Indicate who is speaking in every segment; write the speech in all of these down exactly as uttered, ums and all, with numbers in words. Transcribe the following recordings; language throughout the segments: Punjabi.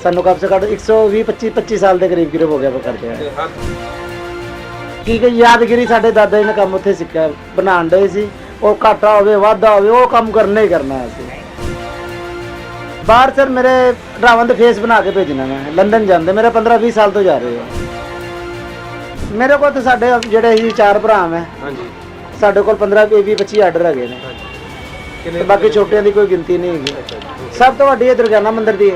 Speaker 1: ਸਾਨੂੰ ਕਮ ਸੇ ਘੱਟ ਇੱਕ ਸੌ ਵੀਹ ਪੱਚੀ ਪੱਚੀ ਸਾਲ ਦੇ ਕਰੀਬ ਕਰੀਬ ਹੋ ਗਿਆ ਕਰਦੇ ਆ। ਕੀ ਕਿ ਯਾਦਗਿਰੀ ਸਾਡੇ ਦਾਦਾ ਜੀ ਨੇ ਕੰਮ ਉੱਥੇ ਸਿੱਖਿਆ, ਬਣਾਉਣ ਦੇ ਸੀ। ਉਹ ਘਾਟਾ ਹੋਵੇ ਵਾਧਾ ਹੋਵੇ ਉਹ ਕੰਮ ਕਰਨਾ ਹੀ ਕਰਨਾ ਅਸੀਂ। ਬਾਹਰ ਸਰ ਮੇਰੇ ਰਾਵਣ ਦੇ ਫੇਸ ਬਣਾ ਕੇ ਭੇਜਣਾ, ਮੈਂ ਲੰਡਨ ਜਾਂਦੇ ਮੇਰੇ ਪੰਦਰਾਂ ਵੀਹ ਸਾਲ ਤੋਂ ਜਾ ਰਹੇ ਹੋ। ਮੇਰੇ ਕੋਲ ਤਾਂ ਸਾਡੇ ਜਿਹੜੇ ਹੀ ਚਾਰ ਭਰਾ ਹੈ ਹਾਂਜੀ, ਸਾਡੇ ਕੋਲ ਪੰਦਰਾਂ ਵੀਹ ਪੱਚੀ ਆਰਡਰ ਹੈਗੇ ਨੇ, ਬਾਕੀ ਛੋਟਿਆਂ ਦੀ ਕੋਈ ਗਿਣਤੀ ਨਹੀਂ ਹੈਗੀ। ਸਭ ਤੋਂ ਵੱਡੀ ਇਹ ਦੁਰਗਿਆਨਾ ਮੰਦਿਰ ਦੀ ਹੈ।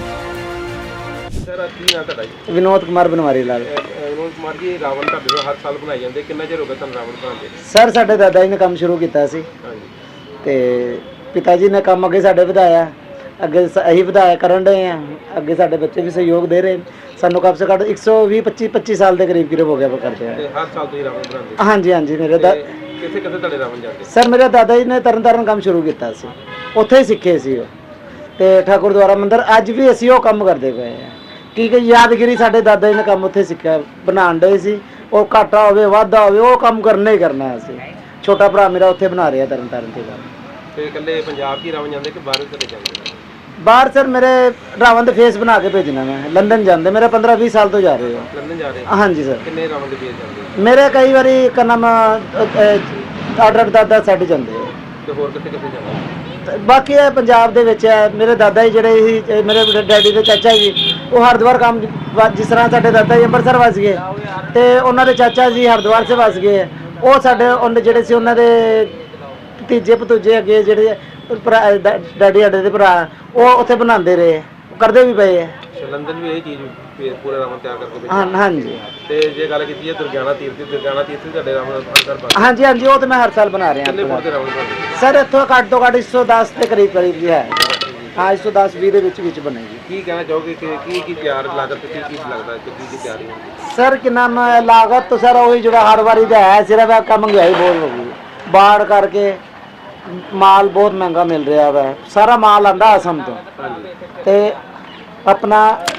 Speaker 2: ਸਰ ਕੀ ਨਾਮ ਤੁਹਾਡਾ ਜੀ?
Speaker 1: ਵਿਨੋਦ ਕੁਮਾਰ ਬਨਵਾਰੀ ਲਾਲ।
Speaker 2: ਵਿਨੋਦ ਕੁਮਾਰ ਜੀ, ਰਾਵਣ ਤੁਹਾਡੇ ਹਰ ਸਾਲ ਬਣਾਏ ਜਾਂਦੇ, ਕਿੰਨਾ ਚਿਰ ਹੋ ਗਿਆ ਤੁਹਾਨੂੰ ਰਾਵਣ ਬਣਾਉਂਦੇ?
Speaker 1: ਸਰ ਸਾਡੇ ਦਾਦਾ ਜੀ ਨੇ ਕੰਮ ਸ਼ੁਰੂ ਕੀਤਾ ਸੀ ਤੇ ਪਿਤਾ ਜੀ ਨੇ ਕੰਮ ਅੱਗੇ ਸਾਡੇ ਵਧਾਇਆ, ਅੱਗੇ ਅਸੀਂ ਵਧਾਇਆ ਕਰਨ ਰਹੇ ਹਾਂ, ਅੱਗੇ ਸਾਡੇ ਬੱਚੇ ਵੀ ਸਹਿਯੋਗ ਦੇ ਰਹੇ। ਸਾਨੂੰ ਕਮ ਸੇ ਘੱਟ ਇੱਕ ਸੌ ਵੀਹ ਪੱਚੀ ਪੱਚੀ ਸਾਲ ਦੇ ਕਰੀਬ ਕਰੀਬ ਹੋ ਗਿਆ ਕਰਦੇ ਆ।
Speaker 2: ਹਰ ਸਾਲ ਤੁਸੀਂ ਰਾਵਣ ਬਣਾਉਂਦੇ?
Speaker 1: ਹਾਂਜੀ ਹਾਂਜੀ। ਮੇਰੇ ਦਾ
Speaker 2: ਕਿੱਥੇ ਕਿੱਥੇ ਤੁਹਾਡੇ ਰਾਵਣ ਜਾਂਦੇ?
Speaker 1: ਸਰ ਮੇਰੇ ਦਾਦਾ ਜੀ ਨੇ ਤਰਨ ਤਾਰਨ ਕੰਮ ਸ਼ੁਰੂ ਕੀਤਾ ਸੀ, ਉੱਥੇ ਹੀ ਸਿੱਖੇ ਸੀ ਉਹ, ਤੇ ਠਾਕੁਰ ਦੁਆਰਾ ਮੰਦਿਰ ਅੱਜ ਵੀ ਅਸੀਂ ਉਹ ਕੰਮ ਕਰਦੇ ਪਏ ਹਾਂ। ਕੀ ਕਿ ਯਾਦਗਿਰੀ ਸਾਡੇ ਦਾਦਾ ਜੀ ਨੇ ਕੰਮ ਉੱਥੇ ਸਿੱਖਿਆ, ਬਣਾਉਣ ਦੇ ਸੀ। ਉਹ ਘਾਟਾ ਹੋਵੇ ਵਾਧਾ ਹੋਵੇ ਉਹ ਕੰਮ ਕਰਨਾ ਹੀ ਕਰਨਾ ਅਸੀਂ। ਛੋਟਾ ਭਰਾ ਮੇਰਾ ਉੱਥੇ ਬਣਾ ਰਿਹਾ ਤਰਨ ਤਾਰਨ ਤੇ ਕੰਮ।
Speaker 2: ਤੇ ਇਕੱਲੇ ਪੰਜਾਬ 'ਚ ਹੀ ਰਾਵਣ ਜਾਂਦੇ ਕਿ ਬਾਹਰ ਚਲੇ ਜਾਂਦੇ?
Speaker 1: ਬਾਹਰ ਸਰ ਮੇਰੇ ਰਾਵਣ ਦੇ ਫੇਸ ਬਣਾ ਕੇ ਭੇਜਣਾ, ਮੈਂ ਲੰਡਨ ਜਾਂਦੇ ਮੇਰੇ ਪੰਦਰਾਂ ਵੀਹ ਸਾਲ ਤੋਂ ਜਾ ਰਹੇ ਹੋ।
Speaker 2: ਲੰਡਨ ਜਾ ਰਹੇ?
Speaker 1: ਹਾਂਜੀ ਸਰ।
Speaker 2: ਕਿੰਨੇ ਰਾਵਣ ਦੇ ਫੇਸ ਜਾਂਦੇ?
Speaker 1: ਮੇਰੇ ਕਈ ਵਾਰੀ ਕਨਮ ਆਰਡਰ ਦਾਦਾ ਸੈੱਟ ਜਾਂਦੇ ਆ।
Speaker 2: ਤੇ ਹੋਰ ਕਿੱਥੇ ਕਿੱਥੇ ਜਾਂਦੇ?
Speaker 1: ਬਾਕੀ ਇਹ ਪੰਜਾਬ ਦੇ ਵਿੱਚ ਹੈ। ਮੇਰੇ ਦਾਦਾ ਜੀ ਜਿਹੜੇ ਸੀ, ਮੇਰੇ ਡੈਡੀ ਦੇ ਚਾਚਾ ਜੀ, ਉਹ ਹਰਿਦੁਆਰ ਕੰਮ, ਜਿਸ ਤਰ੍ਹਾਂ ਸਾਡੇ ਦਾਦਾ ਜੀ ਅੰਮ੍ਰਿਤਸਰ ਵਸ ਗਏ ਤੇ ਉਹਨਾਂ ਦੇ ਚਾਚਾ ਜੀ ਹਰਿਦੁਆਰ ਸੇ ਵਸ ਗਏ। ਉਹ ਸਾਡੇ ਉਹਨੇ ਜਿਹੜੇ ਸੀ ਉਹਨਾਂ ਦੇ ਭਤੀਜੇ ਭਤੂਜੇ ਅੱਗੇ ਜਿਹੜੇ ਭਰਾ ਡੈਡੀ ਸਾਡੇ ਦੇ ਭਰਾ, ਉਹ ਉੱਥੇ ਬਣਾਉਂਦੇ ਰਹੇ, ਕਰਦੇ ਵੀ ਪਏ ਹੈ।
Speaker 2: ਲੰਡਨ ਵੀ ਇਹ ਚੀਜ਼ ਪੂਰਾ ਰਾਵਣ ਤਿਆਰ ਕਰਕੇ?
Speaker 1: ਹਾਂ ਹਾਂਜੀ।
Speaker 2: ਤੇ ਜੇ ਗੱਲ ਕੀਤੀ ਹੈ ਦੁਰਗਿਆਨਾ ਤੀਰਥ ਦੀ, ਦੁਰਗਿਆਨਾ ਤੀਰਥ ਤੁਹਾਡੇ ਰਾਵਣ ਅੰਦਰ ਬਣ?
Speaker 1: ਹਾਂਜੀ ਹਾਂਜੀ, ਉਹ ਤਾਂ ਮੈਂ ਹਰ ਸਾਲ ਬਣਾ ਰਿਹਾ।
Speaker 2: ਕਿੰਨੇ ਫੁੱਟ ਦੇ ਰਾਵਣ ਬਣਦੇ
Speaker 1: ਸਰ? ਇੱਥੋਂ ਘੱਟ ਤੋਂ ਘੱਟ ਇੱਕ ਸੌ ਦਸ ਦੇ ਕਰੀਬ ਕਰੀਬ ਜੀ ਹੈ। ਹਾਂ ਇੱਕ ਸੌ ਦਸ ਵੀਹ ਦੇ ਵਿੱਚ ਵਿੱਚ ਬਣੇਗੀ।
Speaker 2: ਕੀ ਕਹਿਣਾ ਚਾਹੋਗੇ ਕਿ ਕੀ ਕੀ ਤਿਆਰ ਲਾਗਤ ਕੀ ਕੀ ਲੱਗਦਾ ਕਿ ਕੀ ਕੀ ਤਿਆਰੀ ਹੁੰਦੀ?
Speaker 1: ਸਰ ਕਿ ਨਾਮ ਲਾਗਤ ਤਾਂ ਸਰ ਉਹੀ ਜਿਹੜਾ ਹਰ ਵਾਰੀ ਦਾ ਹੈ, ਸਿਰਫ ਇਹ ਕੰਮ ਮਹਿੰਗਾਈ ਬਹੁਤ ਹੋ ਗਈ, ਬਾੜ ਕਰਕੇ ਮਾਲ ਬਹੁਤ ਮਹਿੰਗਾ ਮਿਲ ਰਿਹਾ ਵਾ। ਸਾਰਾ ਮਾਲ ਆਂਦਾ ਅਸਮ ਤੋਂ ਤੇ ਆਪਣਾ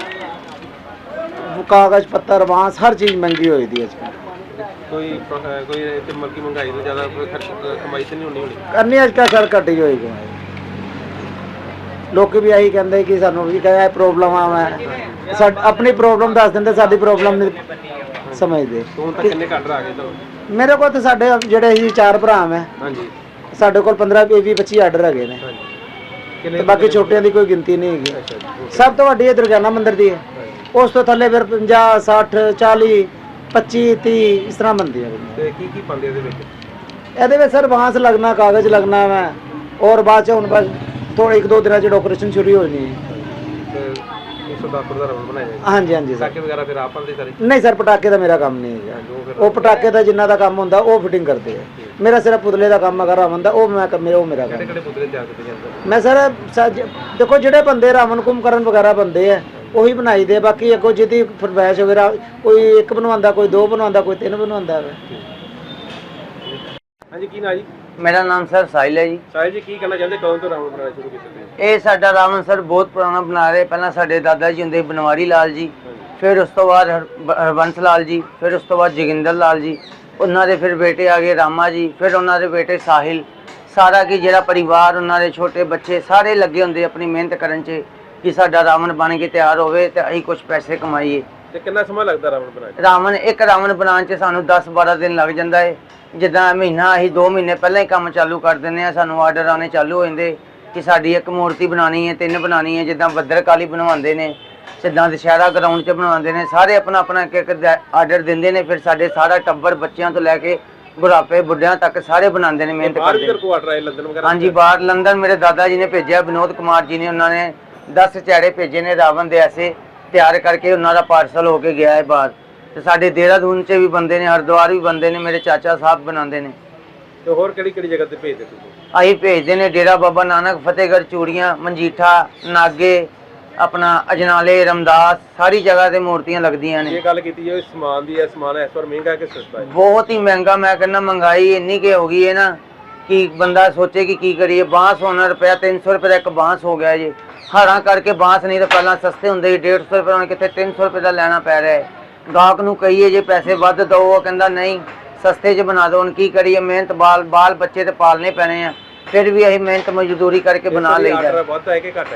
Speaker 1: ਕਾਗਜ਼ ਪੱਤਰ ਬਾਂਸ ਹਰ ਚੀਜ਼ ਮਹਿੰਗੀ ਹੋਈ ਦੀ ਅੱਜ ਕੱਲ੍ਹ।
Speaker 2: ਕੋਈ ਕੋਈ ਤੇ ਮਲਕੀ ਮਹਿੰਗਾਈ ਤੋਂ ਜ਼ਿਆਦਾ ਕੋਈ ਖਰਚ ਕਮਾਈ ਤੇ ਨਹੀਂ ਹੋਣੀ ਹੋਣੀ?
Speaker 1: ਕਰਨੀ ਅੱਜ ਕੱਲ੍ਹ ਸਰ ਘਟੀ ਹੋਈ ਕਮਾਈ। ਲੋਕ ਵੀ ਇਹੀ ਕਹਿੰਦੇ ਕਿ ਸਾਨੂੰ ਵੀ ਕਹੇ ਪ੍ਰੋਬਲਮ ਆ, ਮੈਂ ਸਾਡੀ ਆਪਣੀ ਪ੍ਰੋਬਲਮ ਦੱਸ ਦਿੰਦੇ, ਸਾਡੀ ਪ੍ਰੋਬਲਮ ਨਹੀਂ ਸਮਝਦੇ।
Speaker 2: ਹੁਣ ਤੱਕ ਕਿੰਨੇ ਆਰਡਰ ਆ ਗਏ ਤੁਹਾਨੂੰ?
Speaker 1: ਮੇਰੇ ਕੋਲ ਤਾਂ ਸਾਡੇ ਜਿਹੜੇ ਹੀ ਚਾਰ ਭਰਾ ਹੈ
Speaker 2: ਹਾਂਜੀ,
Speaker 1: ਸਾਡੇ ਕੋਲ ਪੰਦਰਾਂ ਵੀਹ ਪੱਚੀ ਆਰਡਰ ਹੈਗੇ ਨੇ, ਤੇ ਬਾਕੀ ਛੋਟਿਆਂ ਦੀ ਕੋਈ ਗਿਣਤੀ ਨਹੀਂ ਹੈਗੀ। ਸਭ ਤੋਂ ਵੱਡੀ ਇਹ ਦੁਰਗਿਆਨਾ ਮੰਦਿਰ ਦੀ ਹੈ। ਉਸ ਤੋਂ ਥੱਲੇ ਫਿਰ ਪੰਜਾਹ ਸੱਠ ਚਾਲੀ ਪੱਚੀ ਤੀਹ ਇਸ ਤਰ੍ਹਾਂ ਬਣਦੀ ਹੈ।
Speaker 2: ਤੇ ਕੀ ਕੀ ਪਾਉਂਦੇ ਇਹਦੇ ਵਿੱਚ?
Speaker 1: ਇਹਦੇ ਵਿੱਚ ਸਰ ਬਾਂਸ ਲੱਗਣਾ, ਕਾਗਜ਼ ਲੱਗਣਾ ਵਾ, ਔਰ ਬਾਅਦ ਚ ਹੁਣ ਬਸ ਥੋੜੇ ਇੱਕ ਦੋ ਦਿਨਾਂ ਚ ਡੈਕੋਰੇਸ਼ਨ ਸ਼ੁਰੂ ਹੋ ਜਾਣੀ ਹੈ।
Speaker 2: ਤੇ ਇੱਕ ਸੌ ਦਸ ਫੁੱਟ ਦਾ ਰਾਵਣ ਬਣਾਇਆ ਜਾਏਗਾ?
Speaker 1: ਹਾਂਜੀ ਹਾਂਜੀ ਸਰ।
Speaker 2: ਪਟਾਕੇ ਵਗੈਰਾ ਫਿਰ ਆਪ ਪਾਉਂਦੇ ਸਾਰੇ?
Speaker 1: ਨਹੀਂ ਸਰ, ਪਟਾਕੇ ਦਾ ਮੇਰਾ ਕੰਮ ਨਹੀਂ ਹੈ। ਉਹ ਪਟਾਕੇ ਦਾ ਜਿੰਨਾ ਦਾ ਕੰਮ ਹੁੰਦਾ ਉਹ ਫਿਟਿੰਗ ਕਰਦੇ ਆ। ਮੇਰਾ ਸਿਰਫ ਪੁਤਲੇ ਦਾ ਕੰਮ ਹੈਗਾ ਰਾਵਣ ਦਾ, ਉਹ ਮੈਂ ਮੇਰਾ ਉਹ ਮੇਰਾ ਕੰਮ।
Speaker 2: ਕਿਹੜੇ ਕਿਹੜੇ ਪੁਤਲੇ ਤਿਆਰ ਕੀਤੇ ਜਾਂਦੇ?
Speaker 1: ਮੈਂ ਸਰ ਦੇਖੋ ਜਿਹੜੇ ਬੰਦੇ ਰਾਵਣ ਕੁੰਭਕਰਨ ਵਗੈਰਾ ਬੰਦੇ ਆ ਉਹੀ ਬਣਾਈ ਦੇ, ਬਾਕੀ ਅੱਗੋਂ ਜਿਹਦੀ ਫਰਮਾਇਸ਼ ਵਗੈਰਾ ਕੋਈ ਇੱਕ ਬਣਵਾਉਂਦਾ, ਕੋਈ ਦੋ ਬਣਵਾਉਂਦਾ, ਕੋਈ ਤਿੰਨ ਬਣਵਾਉਂਦਾ ਹੈ।
Speaker 2: ਹਾਂਜੀ, ਕੀ ਨਾ ਜੀ?
Speaker 3: ਮੇਰਾ ਨਾਮ ਸਰ ਸਾਹਿਲ ਹੈ ਜੀ।
Speaker 2: ਸਾਹਿਲ ਜੀ, ਕੀ ਕਹਿਣਾ ਚਾਹੁੰਦੇ, ਕਦੋਂ ਤੋਂ ਰਾਵਣ ਬਣਾਉਣਾ ਸ਼ੁਰੂ ਕੀਤਾ ਤੁਸੀਂ?
Speaker 3: ਇਹ ਸਾਡਾ ਰਾਵਣ ਸਰ ਬਹੁਤ ਪੁਰਾਣਾ ਬਣਾ ਰਹੇ। ਪਹਿਲਾਂ ਸਾਡੇ ਦਾਦਾ ਜੀ ਹੁੰਦੇ ਬਨਵਾਰੀ ਲਾਲ ਜੀ, ਫਿਰ ਉਸ ਤੋਂ ਬਾਅਦ ਹਰਬੰਸ ਲਾਲ ਜੀ, ਫਿਰ ਉਸ ਤੋਂ ਬਾਅਦ ਜੋਗਿੰਦਰ ਲਾਲ ਜੀ, ਉਹਨਾਂ ਦੇ ਫਿਰ ਬੇਟੇ ਆ ਗਏ ਰਾਮਾ ਜੀ, ਫਿਰ ਉਹਨਾਂ ਦੇ ਬੇਟੇ ਸਾਹਿਲ। ਸਾਰਾ ਕੀ ਜਿਹੜਾ ਪਰਿਵਾਰ, ਉਹਨਾਂ ਦੇ ਛੋਟੇ ਬੱਚੇ ਸਾਰੇ ਲੱਗੇ ਹੁੰਦੇ ਆਪਣੀ ਮਿਹਨਤ ਕਰਨ 'ਚ ਕਿ ਸਾਡਾ ਰਾਵਣ ਬਣ ਕੇ ਤਿਆਰ ਹੋਵੇ ਤੇ ਅਸੀਂ ਕੁਝ ਪੈਸੇ ਕਮਾਈਏ।
Speaker 2: ਤੇ ਕਿੰਨਾ ਸਮਾਂ ਲੱਗਦਾ ਰਾਵਣ ਬਣਾਉਣ 'ਚ?
Speaker 3: ਰਾਵਣ ਇੱਕ ਰਾਵਣ ਬਣਾਉਣ 'ਚ ਸਾਨੂੰ ਦਸ ਬਾਰਾਂ ਦਿਨ ਲੱਗ ਜਾਂਦਾ ਹੈ। ਜਿੱਦਾਂ ਮਹੀਨਾ ਅਸੀਂ ਦੋ ਮਹੀਨੇ ਪਹਿਲਾਂ ਹੀ ਕੰਮ ਚਾਲੂ ਕਰ ਦਿੰਦੇ ਹਾਂ। ਸਾਨੂੰ ਆਰਡਰ ਆਉਣੇ ਚਾਲੂ ਹੋ ਜਾਂਦੇ ਕਿ ਸਾਡੀ ਇੱਕ ਮੂਰਤੀ ਬਣਾਉਣੀ ਹੈ, ਤਿੰਨ ਬਣਾਉਣੀ ਹੈ। ਜਿੱਦਾਂ ਬੱਦਰਕਾਲੀ ਬਣਵਾਉਂਦੇ ਨੇ, ਸਿੱਧਾਂ ਦੁਸ਼ਹਿਰਾ ਗਰਾਊਂਡ 'ਚ ਬਣਵਾਉਂਦੇ ਨੇ, ਸਾਰੇ ਆਪਣਾ ਆਪਣਾ ਇੱਕ ਇੱਕ ਆਰਡਰ ਦਿੰਦੇ ਨੇ। ਫਿਰ ਸਾਡੇ ਸਾਰਾ ਟੱਬਰ ਬੱਚਿਆਂ ਤੋਂ ਲੈ ਕੇ ਬੁਢਾਪੇ ਬੁੱਢਿਆਂ ਤੱਕ ਸਾਰੇ ਬਣਾਉਂਦੇ ਨੇ, ਮਿਹਨਤ ਕਰਦੇ ਨੇ। ਹਾਂਜੀ, ਬਾਹਰ ਲੰਡਨ ਮੇਰੇ ਦਾਦਾ ਜੀ ਨੇ ਭੇਜਿਆ, ਵਿਨੋਦ ਕੁਮਾਰ ਜੀ ਨੇ, ਉਹਨਾਂ ਨੇ ਦਸ ਚਿਹਰੇ ਭੇਜੇ ਨੇ ਰਾਵਣ ਦੇ ਐਸੇ ਤਿਆਰ ਕਰਕੇ, ਉਹਨਾਂ ਦਾ ਪਾਰਸਲ ਹੋ ਕੇ ਗਿਆ ਹੈ ਬਾਹਰ। ਤੇ ਸਾਡੇ ਦੇਹਰਾਦੂਨ 'ਚ ਵੀ ਬੰਦੇ ਨੇ, ਹਰਿਦੁਆਰ ਵੀ ਬੰਦੇ ਨੇ, ਮੇਰੇ ਚਾਚਾ ਸਾਹਿਬ ਬਣਾਉਂਦੇ ਨੇ।
Speaker 2: ਤੇ ਹੋਰ ਕਿਹੜੀ ਕਿਹੜੀ ਜਗ੍ਹਾ ਤੇ ਭੇਜਦੇ ਤੁਸੀਂ?
Speaker 3: ਅਸੀਂ ਭੇਜਦੇ ਨੇ ਡੇਰਾ ਬਾਬਾ ਨਾਨਕ, ਫਤਿਹਗੜ੍ਹ ਚੂੜੀਆਂ, ਮਨਜੀਠਾ, ਨਾਗੇ, ਆਪਣਾ ਅਜਨਾਲੇ, ਰਮਦਾਸ, ਸਾਰੀ ਜਗ੍ਹਾ ਤੇ ਮੂਰਤੀਆਂ ਲੱਗਦੀਆਂ ਨੇ।
Speaker 2: ਇਹ ਗੱਲ ਕੀਤੀ ਜਾਵੇ ਸਮਾਨ ਦੀ, ਹੈ ਸਮਾਨ ਇਸ ਵਾਰ ਮਹਿੰਗਾ ਕਿ ਸਸਤਾ ਹੈ?
Speaker 3: ਬਹੁਤ ਹੀ ਮਹਿੰਗਾ। ਮੈਂ ਕਹਿੰਦਾ ਮਹਿੰਗਾਈ ਇੰਨੀ ਕਿ ਹੋ ਗਈ ਹੈ ਨਾ ਕਿ ਬੰਦਾ ਸੋਚੇ ਕਿ ਕੀ ਕਰੀਏ। ਬਾਂਸ ਹੋਣਾ ਰੁਪਇਆ ਤਿੰਨ ਸੌ ਰੁਪਏ ਦਾ ਇੱਕ ਬਾਂਸ ਹੋ ਗਿਆ ਜੀ। ਹਾਰਾਂ ਕਰਕੇ ਬਾਂਸ ਨਹੀਂ ਤਾਂ ਪਹਿਲਾਂ ਸਸਤੇ ਹੁੰਦੇ ਸੀ, ਡੇਢ ਸੌ ਰੁਪਏ ਹੁਣ ਕਿੱਥੇ ਤਿੰਨ ਸੌ ਰੁਪਏ ਦਾ ਲੈਣਾ ਪੈ ਰਿਹਾ ਹੈ। ਗਾਹਕ ਨੂੰ ਕਹੀਏ ਜੇ ਪੈਸੇ ਵੱਧ ਦਿਓ, ਉਹ ਕਹਿੰਦਾ ਨਹੀਂ ਸਸਤੇ 'ਚ ਬਣਾ ਦਿਓ। ਹੁਣ ਕੀ ਕਰੀਏ, ਮਿਹਨਤ ਬਾਲ ਬਾਲ ਬੱਚੇ ਤੇ ਪਾਲਣੇ ਪੈਣੇ ਆ, ਫਿਰ ਵੀ ਅਸੀਂ ਮਿਹਨਤ ਮਜ਼ਦੂਰੀ ਕਰਕੇ ਬਣਾ ਲਈਦਾ।
Speaker 2: ਵੱਧ ਹੈ ਕਿ ਘੱਟ ਹੈ ਜੀ?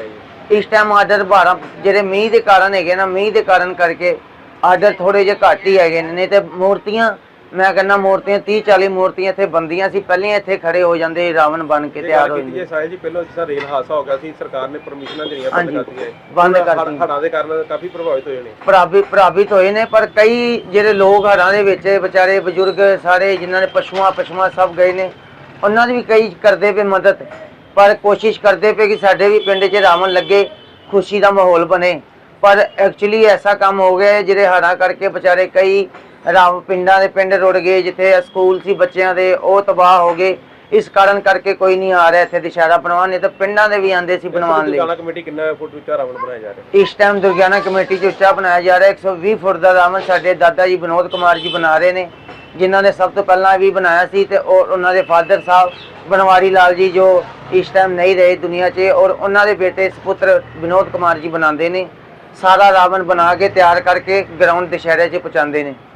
Speaker 3: ਇਸ ਟਾਈਮ ਆਰਡਰ ਬਾਰਾਂ ਜਿਹੜੇ ਮੀਂਹ ਦੇ ਕਾਰਨ ਹੈਗੇ ਨਾ, ਮੀਂਹ ਦੇ ਕਾਰਨ ਕਰਕੇ ਆਰਡਰ ਥੋੜੇ ਜਿਹੇ ਘੱਟ ਹੀ ਹੈਗੇ ਨੇ। ਨਹੀਂ ਤੇ ਮੂਰਤੀਆਂ ਮੈਂ ਕਹਿੰਦਾ ਮੂਰਤੀਆਂ ਤੀਹ ਚਾਲੀ ਮੂਰਤੀਆਂ ਇੱਥੇ ਬੰਦੀਆਂ ਸੀ, ਪਹਿਲਾਂ ਇੱਥੇ ਖੜੇ ਹੋ ਜਾਂਦੇ ਰਾਵਣ ਬਣ ਕੇ ਤਿਆਰ ਹੋ
Speaker 2: ਕੀਤੀ ਜੇ ਸਾਹਿਲ ਜੀ ਪਹਿਲਾਂ ਜਿਸ ਤਰ੍ਹਾਂ ਰੇਲ ਹਾਦਸਾ ਹੋ ਗਿਆ ਸੀ, ਸਰਕਾਰ ਨੇ ਪਰਮਿਸ਼ਨਾਂ ਜਿਹੜੀਆਂ ਬੰਦ
Speaker 3: ਹਾਂਜੀ,
Speaker 2: ਕਰਤੀਆਂ
Speaker 3: ਬੰਦ ਕਰਤੀ।
Speaker 2: ਹੜ੍ਹਾਂ ਦੇ ਕਾਰਨ ਕਾਫੀ ਪ੍ਰਭਾਵਿਤ ਹੋਏ ਨੇ।
Speaker 3: ਪ੍ਰਭਾਵਿਤ ਪ੍ਰਭਾਵਿਤ ਹੋਏ ਨੇ, ਪਰ ਕਈ ਜਿਹੜੇ ਲੋਕ ਹੜ੍ਹਾਂ ਦੇ ਵਿੱਚ ਵਿਚਾਰੇ ਬਜ਼ੁਰਗ ਸਾਰੇ ਜਿਨ੍ਹਾਂ ਨੇ ਪਸ਼ੂਆਂ ਪਸ਼ੂਆਂ ਸਭ ਗਏ ਨੇ, ਉਹਨਾਂ ਦੀ ਵੀ ਕਈ ਕਰਦੇ ਪਏ ਮਦਦ, ਪਰ ਕੋਸ਼ਿਸ਼ ਕਰਦੇ ਪਏ ਕਿ ਸਾਡੇ ਵੀ ਪਿੰਡ 'ਚ ਰਾਵਣ ਲੱਗੇ, ਖੁਸ਼ੀ ਦਾ ਮਾਹੌਲ ਬਣੇ। ਪਰ ਐਕਚੁਅਲੀ ਐਸਾ ਕੰਮ ਹੋ ਗਿਆ ਜਿਹੜੇ ਹੜ੍ਹਾਂ ਕਰਕੇ ਵਿਚਾਰੇ ਕਈ ਰਾਵ ਪਿੰਡਾਂ ਦੇ ਪਿੰਡ ਰੁੜ ਗਏ, ਜਿੱਥੇ ਸਕੂਲ ਸੀ ਬੱਚਿਆਂ ਦੇ ਉਹ ਤਬਾਹ ਹੋ ਗਏ। ਇਸ ਕਾਰਨ ਕਰਕੇ ਕੋਈ ਨਹੀਂ ਆ ਰਿਹਾ ਇੱਥੇ ਦੁਸ਼ਹਿਰਾ ਬਣਵਾਉਣ, ਨਹੀਂ ਤਾਂ ਪਿੰਡਾਂ ਦੇ ਵੀ ਆਂਦੇ ਸੀ ਬਣਵਾਉਣ ਲਈ।
Speaker 2: ਦੁਰਗਿਆਨਾ ਕਮੇਟੀ ਕਿੰਨਾ ਫੁੱਟ ਉੱਚਾ ਰਾਵਣ ਬਣਾਇਆ ਜਾ ਰਿਹਾ
Speaker 3: ਇਸ ਟਾਈਮ ਦੁਰਗਿਆਨਾ ਕਮੇਟੀ 'ਚ ਉੱਚਾ ਬਣਾਇਆ ਜਾ ਰਿਹਾ ਇੱਕ ਸੌ ਵੀਹ ਫੁੱਟ ਦਾ ਰਾਵਣ ਸਾਡੇ ਦਾਦਾ ਜੀ ਵਿਨੋਦ ਕੁਮਾਰ ਜੀ ਬਣਾ ਰਹੇ ਨੇ, ਜਿਨ੍ਹਾਂ ਨੇ ਸਭ ਤੋਂ ਪਹਿਲਾਂ ਵੀ ਬਣਾਇਆ ਸੀ, ਤੇ ਉਹ ਉਹਨਾਂ ਦੇ ਫਾਦਰ ਸਾਹਿਬ ਬਨਵਾਰੀ ਲਾਲ ਜੀ ਜੋ ਇਸ ਟਾਈਮ ਨਹੀਂ ਰਹੇ ਦੁਨੀਆ 'ਚ, ਔਰ ਉਹਨਾਂ ਦੇ ਬੇਟੇ ਸੁਪੁੱਤਰ ਵਿਨੋਦ ਕੁਮਾਰ ਜੀ ਬਣਾਉਂਦੇ ਨੇ। ਸਾਰਾ ਰਾਵਣ ਬਣਾ ਕੇ ਤਿਆਰ ਕਰਕੇ ਗਰਾਊਂਡ ਦੁਸ਼ਹਿਰੇ 'ਚ ਪਹੁੰਚਾਉਂਦੇ ਨੇ।